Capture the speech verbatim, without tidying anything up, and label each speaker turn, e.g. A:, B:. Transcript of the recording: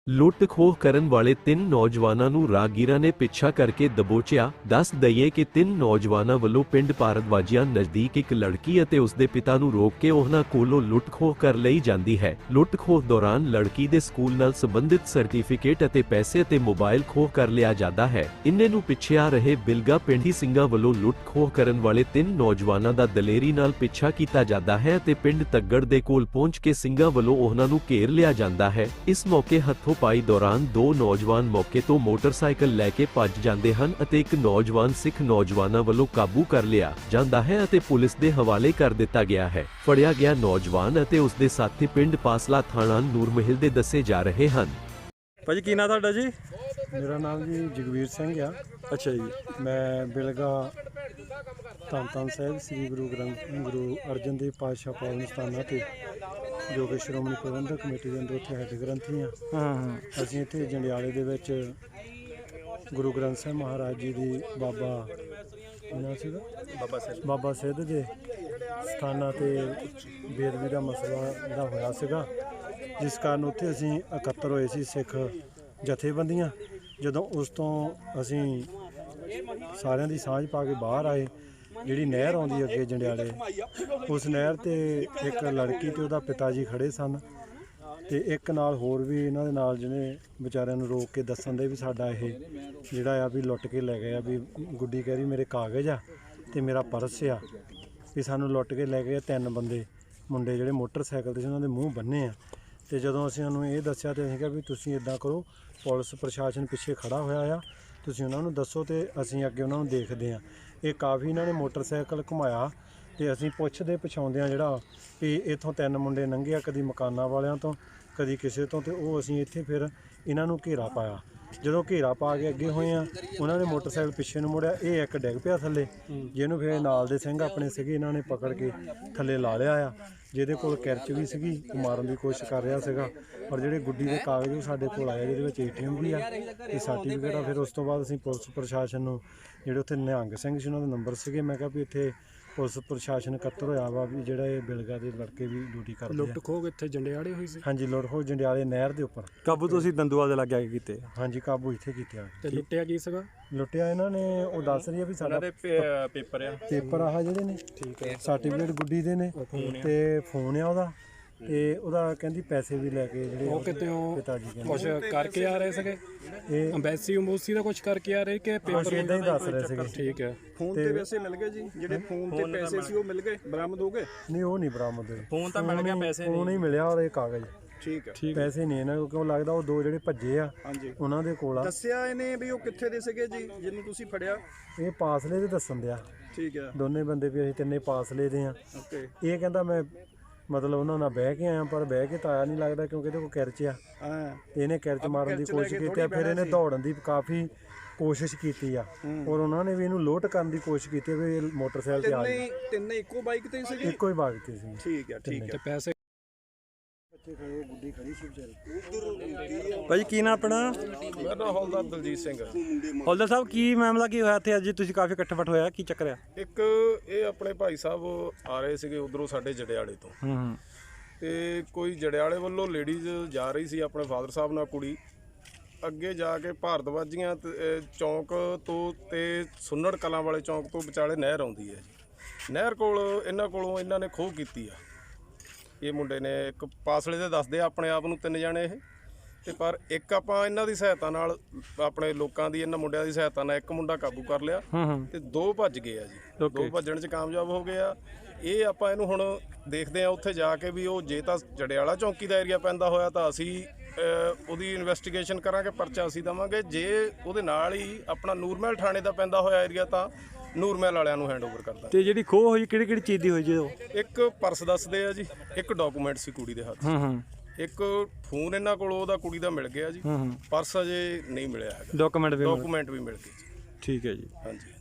A: ਲੁੱਟ ਖੋਹ ਕਰਨ ਵਾਲੇ ਤਿੰਨ ਨੌਜਵਾਨਾਂ ਨੂੰ ਰਾਹਗੀਰਾਂ ਨੇ ਪਿੱਛਾ ਕਰਕੇ ਦਬੋਚਿਆ। ਦੱਸ ਦਈਏ ਕਿ ਤਿੰਨ ਨੌਜਵਾਨਾਂ ਵੱਲੋਂ ਪਿੰਡ ਭਾਰਤਵਾਜੀਆਂ ਨਜ਼ਦੀਕ ਇੱਕ ਲੜਕੀ ਅਤੇ ਉਸ ਦੇ ਪਿਤਾ ਨੂੰ ਰੋਕ ਕੇ ਉਹਨਾਂ ਕੋਲੋਂ ਲੁੱਟ ਖੋਹ ਕਰ ਲਈ ਜਾਂਦੀ ਹੈ। ਲੁੱਟ ਖੋਹ ਦੌਰਾਨ ਲੜਕੀ ਦੇ ਸਕੂਲ ਨਾਲ ਸੰਬੰਧਿਤ ਸਰਟੀਫਿਕੇਟ ਅਤੇ ਪੈਸੇ ਅਤੇ ਮੋਬਾਈਲ ਖੋਹ ਕਰ ਲਿਆ ਜਾਂਦਾ ਹੈ। ਇੰਨੇ ਨੂੰ ਪਿੱਛੇ ਆ ਰਹੇ ਬਿਲਗਾ ਪਿੰਡੀ ਸਿੰਘਾਂ ਵੱਲੋਂ ਲੁੱਟ ਖੋਹ ਕਰਨ ਵਾਲੇ ਤਿੰਨ ਨੌਜਵਾਨਾਂ ਦਾ ਦਲੇਰੀ ਨਾਲ ਪਿੱਛਾ ਕੀਤਾ ਜਾਂਦਾ ਹੈ ਅਤੇ ਪਿੰਡ ਤੱਗੜ ਦੇ ਕੋਲ ਪਹੁੰਚ ਕੇ ਸਿੰਘਾਂ ਵੱਲੋਂ ਉਹਨਾਂ ਨੂੰ ਘੇਰ ਲਿਆ ਜਾਂਦਾ ਹੈ। ਇਸ ਮੌਕੇ ਹੱਥੋਂ ਪਾਈ ਦੌਰਾਨ ਦੋ ਨੌਜਵਾਨ ਮੌਕੇ ਤੋਂ ਮੋਟਰਸਾਈਕਲ ਲੈ ਕੇ ਭੱਜ ਜਾਂਦੇ ਹਨ ਅਤੇ ਇੱਕ ਨੌਜਵਾਨ ਸਿੱਖ ਨੌਜਵਾਨਾਂ ਵੱਲੋਂ ਕਾਬੂ ਕਰ ਲਿਆ ਜਾਂਦਾ ਹੈ ਅਤੇ ਪੁਲਿਸ ਦੇ ਹਵਾਲੇ ਕਰ ਦਿੱਤਾ ਗਿਆ ਹੈ। ਫੜਿਆ ਗਿਆ ਨੌਜਵਾਨ ਅਤੇ ਉਸ ਦੇ ਸਾਥੀ ਪਿੰਡ ਪਾਸਲਾ ਥਾਣਾ ਨੂਰਮਹਿਲ ਦੇ ਦੱਸੇ ਜਾ ਰਹੇ ਹਨ।
B: ਭਾਜੀ ਕੀ ਨਾਂ ਤੁਹਾਡਾ ਜੀ?
C: ਮੇਰਾ ਨਾਮ ਜੀ ਜਗਵੀਰ ਸਿੰਘ ਆ।
B: ਅੱਛਾ ਜੀ।
C: ਮੈਂ ਬਿਲਗਾ ਧੰਨ ਧੰਨ ਸਾਹਿਬ ਸ੍ਰੀ ਗੁਰੂ ਗ੍ਰੰਥ ਗੁਰੂ ਅਰਜਨ ਦੇਵ ਪਾਤਸ਼ਾਹ ਪਾਵਨ ਸਥਾਨਾਂ 'ਤੇ ਜੋ ਕਿ ਸ਼੍ਰੋਮਣੀ ਪ੍ਰਬੰਧਕ ਕਮੇਟੀ ਦੇ ਅੰਦਰ ਉੱਥੇ ਹੈੱਡ ਗ੍ਰੰਥੀ ਹਾਂ।
B: ਹਾਂ ਹਾਂ
C: ਅਸੀਂ ਇੱਥੇ ਜੰਡਿਆਲੇ ਦੇ ਵਿੱਚ ਗੁਰੂ ਗ੍ਰੰਥ ਸਾਹਿਬ ਮਹਾਰਾਜ ਜੀ ਦੀ ਬਾਬਾ ਇਹਨਾਂ ਸੀਗਾ
B: ਬਾਬਾ ਸਿੱਧ
C: ਬਾਬਾ ਸਿੱਧ ਦੇ ਸਥਾਨਾਂ 'ਤੇ ਬੇਅਦਬੀ ਦਾ ਮਸਲਾ ਜਿਹੜਾ ਹੋਇਆ ਸੀਗਾ, ਜਿਸ ਕਾਰਨ ਉੱਥੇ ਅਸੀਂ ਇਕੱਤਰ ਹੋਏ ਸੀ ਸਿੱਖ ਜਥੇਬੰਦੀਆਂ। ਜਦੋਂ ਉਸ ਤੋਂ ਅਸੀਂ ਸਾਰਿਆਂ ਦੀ ਸਾਂਝ ਪਾ ਕੇ ਬਾਹਰ ਆਏ, ਜਿਹੜੀ ਨਹਿਰ ਆਉਂਦੀ ਅੱਗੇ ਜੰਡਿਆਲੇ, ਉਸ ਨਹਿਰ 'ਤੇ ਇੱਕ ਲੜਕੀ ਤੇ ਉਹਦਾ ਪਿਤਾ ਜੀ ਖੜ੍ਹੇ ਸਨ ਤੇ ਇੱਕ ਨਾਲ ਹੋਰ ਵੀ ਇਹਨਾਂ ਦੇ ਨਾਲ ਜਿਹਨੇ ਵਿਚਾਰਿਆਂ ਨੂੰ ਰੋਕ ਕੇ ਦੱਸਣ ਦੇ ਵੀ ਸਾਡਾ ਇਹ ਜਿਹੜਾ ਆ ਵੀ ਲੁੱਟ ਕੇ ਲੈ ਗਏ ਆ। ਵੀ ਗੁੱਡੀ ਕਹਿ ਰਹੀ ਮੇਰੇ ਕਾਗਜ਼ ਆ ਤੇ ਮੇਰਾ ਪਰਸ ਆ, ਵੀ ਸਾਨੂੰ ਲੁੱਟ ਕੇ ਲੈ ਗਏ ਤਿੰਨ ਬੰਦੇ ਮੁੰਡੇ ਜਿਹੜੇ ਮੋਟਰਸਾਈਕਲ 'ਤੇ ਸੀ, ਉਹਨਾਂ ਦੇ ਮੂੰਹ ਬੰਨੇ ਆ। ਤੇ ਜਦੋਂ ਅਸੀਂ ਉਹਨੂੰ ਇਹ ਦੱਸਿਆ ਤੇ ਅਸੀਂ ਕਿਹਾ ਵੀ ਤੁਸੀਂ ਇੱਦਾਂ ਕਰੋ, ਪੁਲਿਸ ਪ੍ਰਸ਼ਾਸਨ ਪਿੱਛੇ ਖੜ੍ਹਾ ਹੋਇਆ ਆ, ਤੁਸੀਂ ਉਹਨਾਂ ਨੂੰ ਦੱਸੋ ਤੇ ਅਸੀਂ ਅੱਗੇ ਉਹਨਾਂ ਨੂੰ ਦੇਖਦੇ ਹਾਂ। ਇਹ ਕਾਫੀ ਇਹਨਾਂ ਨੇ ਮੋਟਰਸਾਈਕਲ ਘੁਮਾਇਆ ਤੇ ਅਸੀਂ ਪੁੱਛਦੇ ਪਛਾਉਂਦੇ ਹਾਂ ਜਿਹੜਾ ਵੀ ਇੱਥੋਂ ਤਿੰਨ ਮੁੰਡੇ ਲੰਘੇ ਆ, ਕਦੀ ਮਕਾਨਾਂ ਵਾਲਿਆਂ ਤੋਂ ਕਦੀ ਕਿਸੇ ਤੋਂ, ਤੇ ਉਹ ਅਸੀਂ ਇੱਥੇ ਫਿਰ ਇਹਨਾਂ ਨੂੰ ਘੇਰਾ ਪਾਇਆ। ਜਦੋਂ ਘੇਰਾ ਪਾ ਕੇ ਅੱਗੇ ਹੋਏ ਆ, ਉਹਨਾਂ ਨੇ ਮੋਟਰਸਾਈਕਲ ਪਿੱਛੇ ਨੂੰ ਮੁੜਿਆ, ਇਹ ਇੱਕ ਡਿੱਗ ਪਿਆ ਥੱਲੇ, ਜਿਹਨੂੰ ਫਿਰ ਨਾਲ ਦੇ ਸਿੰਘ ਆਪਣੇ ਸੀਗੇ ਇਹਨਾਂ ਨੇ ਪਕੜ ਕੇ ਥੱਲੇ ਲਾ ਲਿਆ ਆ। ਜਿਹਦੇ ਕੋਲ ਕਿਰਚ ਵੀ ਸੀਗੀ, ਉਹ ਮਾਰਨ ਦੀ ਕੋਸ਼ਿਸ਼ ਕਰ ਰਿਹਾ ਸੀਗਾ। ਔਰ ਜਿਹੜੇ ਗੁੱਡੀ ਦੇ ਕਾਗਜ਼ ਉਹ ਸਾਡੇ ਕੋਲ ਆਏ, ਜਿਹਦੇ ਵਿੱਚ ਏ ਟੀ ਐਮ ਵੀ ਆ ਤੇ ਸਰਟੀਫਿਕੇਟ ਆ। ਫਿਰ ਉਸ ਤੋਂ ਬਾਅਦ ਅਸੀਂ ਪੁਲਿਸ ਪ੍ਰਸ਼ਾਸਨ ਨੂੰ, ਜਿਹੜੇ ਉੱਥੇ ਨਿਹੰਗ ਸਿੰਘ ਸੀ ਉਹਨਾਂ ਦੇ ਨੰਬਰ ਸੀਗੇ, ਮੈਂ ਕਿਹਾ ਵੀ ਇੱਥੇ ਪੁਲਿਸ ਪ੍ਰਸ਼ਾਸਨ ਇਕੱਤਰ ਹੋਇਆ ਵਾ ਵੀ ਜਿਹੜਾ ਇਹ ਬਿਲਗਾ ਦੇ ਲੜਕੇ ਵੀ ਡਿਊਟੀ ਕਰਦੇ ਆ।
D: ਲੁੱਟ ਖੋਹ ਇੱਥੇ ਜੰਡਿਆਲੇ ਹੋਈ ਸੀ?
C: ਹਾਂਜੀ, ਲੁੱਟ ਖੋਹ ਜੰਡਿਆਲੇ ਨਹਿਰ ਦੇ ਉੱਪਰ।
B: ਕਾਬੂ ਤੁਸੀਂ ਦੰਦੂਆਲ ਦੇ ਲਾਗੇ ਆ ਕੇ ਕੀਤੇ?
C: ਹਾਂਜੀ, ਕਾਬੂ ਇੱਥੇ ਕੀਤਾ।
D: ਤੇ ਲੁੱਟਿਆ ਕੀ ਸੀਗਾ?
C: ਲੁੱਟਿਆ ਇਹਨਾਂ ਨੇ, ਉਹ ਦੱਸ ਰਹੀ ਆ ਵੀ ਸਾਡਾ
B: ਪੇਪਰ ਆ
C: ਪੇਪਰ ਆਹ ਜਿਹੜੇ ਨੇ, ਠੀਕ ਹੈ, ਸਰਟੀਫਿਕੇਟ ਗੁੱਡੀ ਦੇ ਨੇ ਤੇ ਫੋਨ ਆ ਉਹਦਾ, ਤੇ ਉਹਦਾ ਕਹਿੰਦੀ ਪੈਸੇ ਵੀ ਲੈ ਕੇ ਜਿਹੜੇ
D: ਉਹ ਕਿਤੇ ਉਹ
C: ਪਿਤਾ ਜੀ ਕਹਿੰਦੇ
D: ਕੁਛ ਕਰਕੇ ਆ ਰਹੇ ਸੀਗੇ,
C: ਇਹ
D: ਅੰਬੈਸੀ ਅੰਬੂਸੀ ਦਾ ਕੁਛ ਕਰਕੇ ਆ ਰਹੇ ਕਿ ਪੇਪਰ
C: ਇਦਾਂ ਹੀ ਦੱਸ ਰਹੇ ਸੀਗੇ।
D: ਠੀਕ ਹੈ।
E: ਫੋਨ ਤੇ ਪੈਸੇ ਮਿਲ ਗਏ ਜੀ, ਜਿਹੜੇ ਫੋਨ ਤੇ ਪੈਸੇ ਸੀ ਉਹ ਮਿਲ ਗਏ, ਬਰਾਮਦ ਹੋ ਗਏ?
C: ਨਹੀਂ, ਉਹ ਨਹੀਂ ਬਰਾਮਦ ਹੋਏ।
B: ਫੋਨ ਤਾਂ ਮਿਲ ਗਿਆ, ਪੈਸੇ
C: ਫੋਨ ਨਹੀਂ ਮਿਲਿਆ ਔਰ ਇਹ ਕਾਗਜ਼।
E: ਠੀਕ ਹੈ,
C: ਪੈਸੇ ਨਹੀਂ ਇਹਨਾਂ ਕੋਲ, ਕਿਉਂ ਲੱਗਦਾ ਉਹ ਦੋ ਜਿਹੜੇ ਭੱਜੇ ਆ
E: ਹਾਂਜੀ
C: ਉਹਨਾਂ ਦੇ ਕੋਲ ਆ।
E: ਦੱਸਿਆ ਇਹਨੇ ਵੀ ਉਹ ਕਿੱਥੇ ਦੇ ਸੀਗੇ ਜੀ ਜਿਹਨੂੰ ਤੁਸੀਂ ਫੜਿਆ?
C: ਇਹ ਪਾਸਲੇ ਦੇ ਦੱਸਣ ਦਿਆ
E: ਠੀਕ ਹੈ,
C: ਦੋਨੇ ਬੰਦੇ ਵੀ ਅਸੀਂ ਤਿੰਨੇ ਪਾਸਲੇ ਦੇ ਆ।
E: ਓਕੇ।
C: ਇਹ ਕਹਿੰਦਾ ਮੈਂ ਮਤਲਬ ਉਹਨਾਂ ਨਾਲ ਬਹਿ ਕੇ ਆਇਆ, ਪਰ ਬਹਿ ਕੇ ਤਾਂ ਆਇਆ ਨਹੀਂ ਲੱਗਦਾ, ਕਿਉਂਕਿ ਇਹਦੇ ਕੋਲ ਕਿਰਚ ਆ
E: ਹਾਂ,
C: ਤੇ ਇਹਨੇ ਕਿਰਚ ਮਾਰਨ ਦੀ ਕੋਸ਼ਿਸ਼ ਕੀਤੀ ਆ। ਫਿਰ ਇਹਨੇ ਦੌੜਨ ਦੀ ਕਾਫੀ ਕੋਸ਼ਿਸ਼ ਕੀਤੀ ਆ ਔਰ ਉਹਨਾਂ ਨੇ ਵੀ ਇਹਨੂੰ ਲੋਟ ਕਰਨ ਦੀ ਕੋਸ਼ਿਸ਼ ਕੀਤੀ ਵੀ ਇਹ ਮੋਟਰਸਾਈਕਲ ਤੇ ਆ ਜਾਏ।
E: ਤਿੰਨੇ ਤਿੰਨੇ ਇੱਕੋ ਬਾਈਕ ਤੇ ਸੀਗੇ?
C: ਇੱਕੋ ਹੀ ਬਾਗ ਤੇ ਸੀ।
E: ਠੀਕ ਹੈ, ਠੀਕ
D: ਤੇ
E: ਹੈ।
D: ਪੈਸੇ
C: ਬੱਚੇ ਖੜੇ, ਗੁੱਡੀ ਖੜੀ ਸੀ ਵਿਚਾਰੀ।
B: ਭਾਜੀ ਕੀ ਨਾਂ ਆਪਣਾ?
F: ਮੇਰਾ ਨਾਮ ਹੌਲਦਾਰ ਦਲਜੀਤ ਸਿੰਘ ਹੈ।
B: ਹੌਲਦਾਰ ਸਾਹਿਬ ਕੀ ਮਾਮਲਾ ਕੀ ਹੋਇਆ ਇੱਥੇ ਅੱਜ ਤੁਸੀਂ ਕਾਫੀ ਇਕੱਠ ਹੋਇਆ, ਕੀ ਚੱਕਰ ਆ?
F: ਇੱਕ ਇਹ ਆਪਣੇ ਭਾਈ ਸਾਹਿਬ ਆ ਰਹੇ ਸੀਗੇ ਉਧਰੋਂ ਸਾਡੇ ਜੜਿਆਲੇ ਤੋਂ,
B: ਹੂੰ ਹੂੰ
F: ਤੇ ਕੋਈ ਜੜਿਆਲੇ ਵੱਲੋਂ ਲੇਡੀਜ਼ ਜਾ ਰਹੀ ਸੀ ਆਪਣੇ ਫਾਦਰ ਸਾਹਿਬ ਨਾਲ, ਕੁੜੀ ਅੱਗੇ ਜਾ ਕੇ ਭਾਰਤਵਾਜੀਆਂ ਤੇ, ਅਹ, ਚੌਂਕ ਤੋਂ ਤੇ ਸੁੰਨੜ ਕਲਾਂ ਵਾਲੇ ਚੌਂਕ ਤੋਂ ਵਿਚਾਲੇ ਨਹਿਰ ਆਉਂਦੀ ਹੈ ਜੀ। ਨਹਿਰ ਕੋਲ ਇਹਨਾਂ ਕੋਲੋਂ ਇਹਨਾਂ ਨੇ ਖੋਹ ਕੀਤੀ ਆ। ਇਹ ਮੁੰਡੇ ਨੇ ਇੱਕ ਪਾਸਲੇ ਦੇ ਦੱਸਦੇ ਆ ਆਪਣੇ ਆਪ ਨੂੰ ਤਿੰਨ ਜਾਣੇ ਇਹ, ਤੇ ਪਰ ਇੱਕ ਆਪਾਂ ਇਹਨਾਂ ਦੀ ਸਹਾਇਤਾ ਨਾਲ, ਆਪਣੇ ਲੋਕਾਂ ਦੀ, ਇਹਨਾਂ ਮੁੰਡਿਆਂ ਦੀ ਸਹਾਇਤਾ ਨਾਲ ਇੱਕ ਮੁੰਡਾ ਕਾਬੂ ਕਰ ਲਿਆ ਤੇ ਦੋ ਭੱਜ ਗਏ ਆ ਜੀ। ਦੋ ਭੱਜਣ 'ਚ ਕਾਮਯਾਬ ਹੋ ਗਏ ਆ। ਇਹ ਆਪਾਂ ਇਹਨੂੰ ਹੁਣ ਦੇਖਦੇ ਆ ਉੱਥੇ ਜਾ ਕੇ ਵੀ ਉਹ ਜੇ ਤਾਂ ਜੜਿਆਲਾ ਚੌਂਕੀ ਦਾ ਏਰੀਆ ਪੈਂਦਾ ਹੋਇਆ ਤਾਂ ਅਸੀਂ ਉਹਦੀ ਇਨਵੈਸਟੀਗੇਸ਼ਨ ਕਰਾਂਗੇ, ਪਰਚਾ ਅਸੀਂ ਦੇਵਾਂਗੇ। ਜੇ ਉਹਦੇ ਨਾਲ ਹੀ ਆਪਣਾ ਨੂਰਮਹਿਲ ਥਾਣੇ ਦਾ ਪੈਂਦਾ ਹੋਇਆ ਏਰੀਆ ਤਾਂ ਨੂਰਮਹਿਲ ਵਾਲਿਆਂ ਨੂੰ ਹੈਂਡਓਵਰ ਕਰਦਾ।
B: ਤੇ ਜਿਹੜੀ ਖੋਹ ਹੋਈ ਕਿਹੜੀ ਕਿਹੜੀ ਚੀਜ਼ ਦੀ ਹੋਈ ਜੀ? ਉਹ
F: ਇੱਕ ਪਰਸ ਦੱਸਦੇ ਆ ਜੀ, ਇੱਕ ਡਾਕੂਮੈਂਟ ਸੀ ਕੁੜੀ ਦੇ ਹੱਥ,
B: ਹੂੰ ਹੂੰ
F: ਇੱਕ ਫੋਨ ਇਹਨਾਂ ਕੋਲ ਉਹਦਾ ਕੁੜੀ ਦਾ ਮਿਲ ਗਿਆ ਜੀ,
B: ਹੂੰ ਹੂੰ
F: ਪਰਸ ਅਜੇ ਨਹੀਂ ਮਿਲਿਆ ਹੈਗਾ,
B: ਡਾਕੂਮੈਂਟ ਵੀ
F: ਡਾਕੂਮੈਂਟ ਵੀ ਮਿਲ ਗਏ ਜੀ।
B: ਠੀਕ ਹੈ ਜੀ।
F: ਹਾਂਜੀ।